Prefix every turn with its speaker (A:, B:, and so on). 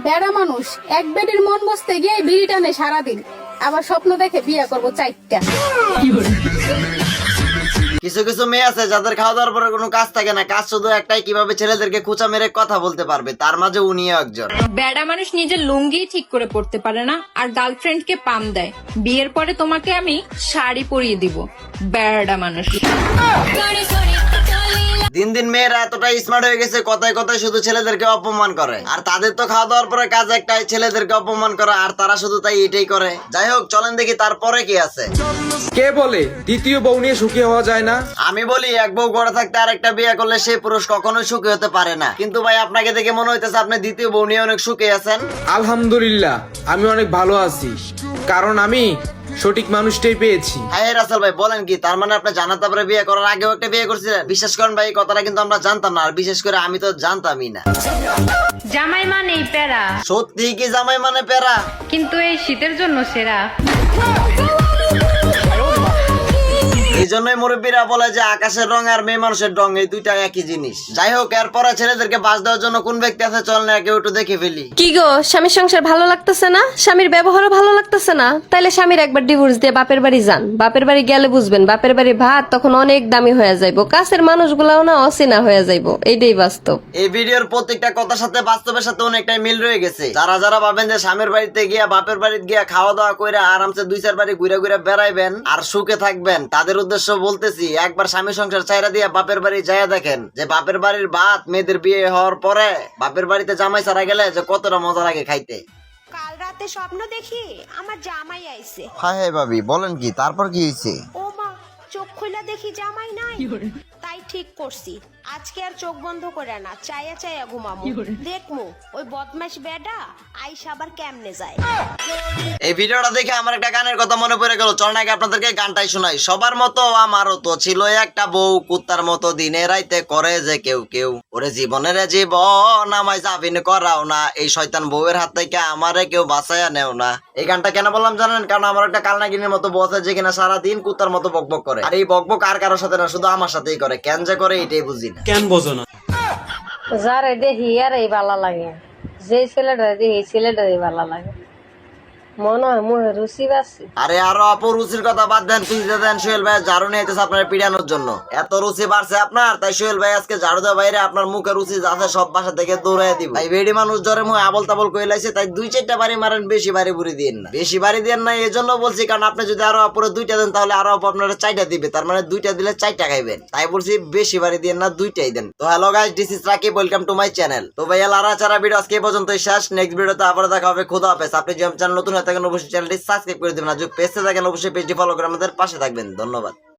A: বেড়া মানুষ এক বেডির মন বসতে গিয়ে বিড়ি টানে সারাদিন, আবার স্বপ্ন দেখে বিয়ে করবো 4টা।
B: কিছু কিছু মেয়ে আছে যাদের খাওয়া দাওয়ার পরে কোনো কাজ থাকে না, কাজ শুধু একটাই, কিভাবে ছেলেদেরকে কুচা মেরে কথা বলতে পারবে। তার মাঝে উনিও একজন।
C: বেড়া মানুষ নিজের লুঙ্গি ঠিক করে পড়তে পারে না আর গার্লফ্রেন্ডকে পাম দেয়। বিয়ের পরে তোমাকে আমি শাড়ি পরিয়ে দিব। বেড়া মানুষ।
B: দিন দিন মেয়েরা এতটাই স্মার্ট হয়ে গেছে, কথায় কথায় শুধু ছেলেদেরকে অপমান করে। আর তাদের তো খাওয়া দাওয়ার পরে কাজ একটাই, ছেলেদেরকে অপমান করা, আর তারা শুধু তাই এটাই করে। যাই হোক, চলেন দেখি তারপরে কি আছে।
D: কে বলে দ্বিতীয় বউ নিয়ে সুখী হওয়া যায় না?
B: আমি বলি, এক বউ ঘরে থাকতে আরেকটা বিয়ে করলে সেই পুরুষ কখনোই সুখী হতে পারে না। কিন্তু ভাই, আপনাকে দেখে মনে হইতেছে আপনি দ্বিতীয় বউ নিয়ে অনেক সুখী আছেন।
D: আলহামদুলিল্লাহ, আমি অনেক ভালো আছি, কারণ আমি সঠিক মানুষটাই পেয়েছি।
B: হ্যাঁ রাসেল ভাই, বলেন কি? তার মানে আপনি জানার তারপরে বিয়ে করার আগেও একটা বিয়ে করছিলেন? বিশ্বাস করেন ভাই, এই কথাটা কিন্তু আমরা জানতাম না, আর বিশেষ করে আমি তো জানতামই না।
C: জামাই মানেই প্যারা,
B: সত্যি কি জামাই মানে প্যারা?
C: কিন্তু এই শীতের জন্য সেরা।
B: এই জন্যই মুরব্বীরা বলে যে আকাশের রং আর মেয়ে মানুষের রং এই দুইটা একই জিনিস। যাই হোক, এরপরে ছেলেদেরকে বাস দেওয়ার জন্য কোন ব্যক্তি আছে, চল না কেউ একটু দেখে ফেলি।
E: কি গো, স্বামীর সংসার ভালো লাগতেছে না? স্বামীর ব্যবহারও ভালো লাগতেছে না? তাইলে স্বামীর একবার ডিভোর্স দিয়ে বাপের বাড়ি যান। বাপের বাড়ি গেলে বুঝবেন, বাপের বাড়ি ভাত তখন অনেক দামি হয়ে যাইবো, কাছের মানুষগুলাও না অচেনা হয়ে যাইবো। এইটাই বাস্তব।
B: এই ভিডিওর প্রত্যেকটা কথার সাথে বাস্তবের সাথে অনেকটাই মিল রয়ে গেছে। যারা যারা ভাবেন যে স্বামীর বাড়িতে গিয়া বাপের বাড়িতে গিয়া খাওয়া দাওয়া করে আরামসে 2-4 বাড়ি ঘুরে ঘুরে বেড়াইবেন আর সুখে থাকবেন, তাদের উদ্দেশ্য বলতেছি, একবার স্বামী সংসার ছাইরা দিয়া বাপের বাড়ি যাইয়া দেখেন যে বাপের বাড়ির ভাত মেয়েদের বিয়ে হওয়ার পরে বাপের বাড়িতে জামাই ছাড়া গেলে যে কতটা মজা লাগে খাইতে।
F: কাল রাতে স্বপ্ন দেখি আমার জামাই আইছে।
B: হ্যাঁ ভাবি, বলেন কি? তারপর কি হয়েছে?
F: ও মা, চোখ খুলে দেখি জামাই নাই। তাই ঠিক করছি, আজকে আর চোখ বন্ধ করে না, চাইয়া চাইয়া ঘুমামু। দেখমু ওই বদমাইশ বেডা আইসা আবার কেমনে যায়।
B: এই ভিডিওটা দেখে আমার একটা গানের কথা মনে পড়ে গেল। চল নাকি আপনাদেরকে গানটাই শোনাই। সবার মতো আমারও তো ছিল একটা বউ, কুত্তার মতো দিনে রাইতে করে যে কেউ কেউ। ওরে জীবনের জীবন আমায় জাবিন করাও না, এই শয়তান বউয়ের হাত থেকে আমারে কেউ বাঁচাইয়া নেও না। এই গানটা কেন বললাম জানেন? কারণ আমার একটা কালনাগিনীর মতো বউ আছে যে কিনা সারাদিন কুত্তার মতো বকবক করে। আর এই বকবক আর কারোর সাথে না, শুধু আমার সাথেই করে। কেন যে করে এটাই বুঝি না।
D: কেন বোঝো না?
G: যারে দেখি আর এই ভালো লাগে, যে ছেলেটা দেখি এই ছেলেটারই ভালো লাগে, মনে হয় মুখে রুচি বাড়ছে।
B: আরে আরো আপু, রুচির কথা বাদ দেন, তুই দেন সোহেল ভাই ঝাড়ু নিয়ে আইতেছে আপনার পিড়ানোর জন্য। এত রুচি বাড়ছে আপনার, তাই সোহেল ভাই আজকে ঝাড়ু দেওয়া বাইরে আপনার মুখে রুচি আছে সব বাসা থেকে দৌড়াই দিব। তাই বেডি মানুষ জ্বরে মুখে আবল তাবল কই লাইছে, তাই 2-4টা বাড়ি মারেন, বেশি বাড়ি বুড়ি দিন না। বেশি বাড়ি দেন না এই জন্য বলছি, কারণ আপনি যদি আরো আপুরে 2টা দেন তাহলে আরো আপু আপনার 4টা দিবে, তার মানে 2টা দিলে 4টা খাইবেন। তাই বলছি বেশি বাড়ি দেন না, 2টাই দেন। তো hello guys, this is Rakib, welcome to my channel. তো ভাইয়া লারা চারা ভিডিও আজকে এই পর্যন্তই শেষ। নেক্সট ভিডিওতে আবার দেখা হবে। খোদা হাফেজ। আপনি যদি চ্যানেল নতুন হয়ে থাকেন অবশ্যই চ্যানেলটি সাবস্ক্রাইব করে দিবেন, আর যদি পেজে থাকেন অবশ্যই পেজটি ফলো করে আমাদের পাশে থাকবেন। ধন্যবাদ।